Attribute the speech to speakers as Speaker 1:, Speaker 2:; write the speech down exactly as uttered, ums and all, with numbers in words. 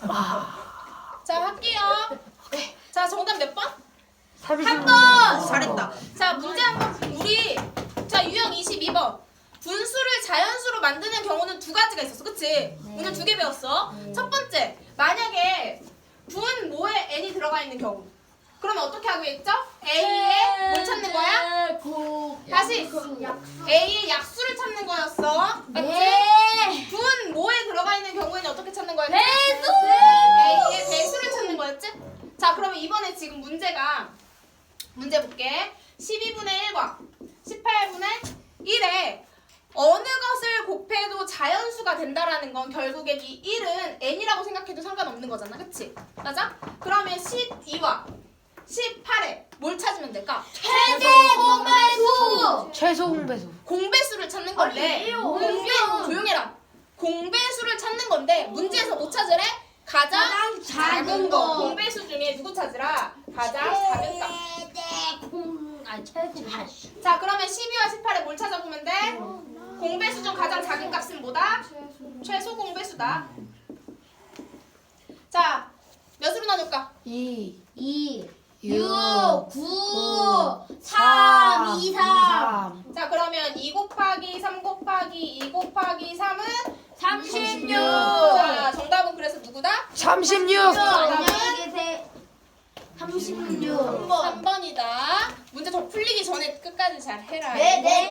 Speaker 1: 자, 할게요. 자, 정답 몇 번?
Speaker 2: 삼
Speaker 1: 한 번! 잘했다. 자, 문제 한 번. 우리, 자, 유형 이십이 번. 분수를 자연수로 만드는 경우는 두 가지가 있었어. 그치? 오늘 두 개 배웠어. 첫 번째, 만약에 분 모에 n이 들어가 있는 경우. 그러면 어떻게 하기로 했죠? A의 뭘 찾는 거야? 다시 A의 약수를 찾는 거였어. 맞지?
Speaker 3: 네.
Speaker 1: 분 모에 들어가 있는 경우에는 어떻게 찾는 거였지?
Speaker 3: 배수!
Speaker 1: A의 배수를 찾는 거였지? 자, 그러면 이번에 지금 문제가 문제 볼게. 십이분의 일과 십팔분의 일에 어느 것을 곱해도 자연수가 된다라는 건 결국엔 이 일은 n이라고 생각해도 상관없는 거잖아. 그치? 맞아? 그러면 십이와 십팔에 뭘 찾으면 될까?
Speaker 3: 최대 공배수!
Speaker 2: 최소 공배수.
Speaker 1: 공배수를 찾는 건데
Speaker 3: 아니에요.
Speaker 1: 공배 조용해라. 공배수를 찾는 건데 문제에서 뭐 찾으래? 가장,
Speaker 3: 가장
Speaker 1: 작은
Speaker 3: 작은
Speaker 1: 거.
Speaker 3: 거.
Speaker 1: 공배수 중에 누구 찾으라? 가장 작은 값.
Speaker 3: 최대 공... 아, 최대
Speaker 1: 자, 그러면 십이와 십팔에 뭘 찾아보면 돼? 공배수 중 가장 작은 값은 뭐다? 최소 공배수다. 자, 몇으로 나눌까?
Speaker 2: 이,
Speaker 3: 이,
Speaker 2: 육,
Speaker 3: 육, 구, 삼,
Speaker 2: 삼,
Speaker 3: 이, 삼.
Speaker 1: 자, 그러면 이 곱하기 삼 곱하기 이 곱하기 삼은
Speaker 3: 삼십육.
Speaker 1: 자, 정답은 그래서 누구다?
Speaker 2: 삼십육.
Speaker 3: 안녕히 계세요. 삼십육.
Speaker 1: 삼 번이다. 문제 더 풀리기 전에 끝까지 잘 해라.
Speaker 3: 네, 네.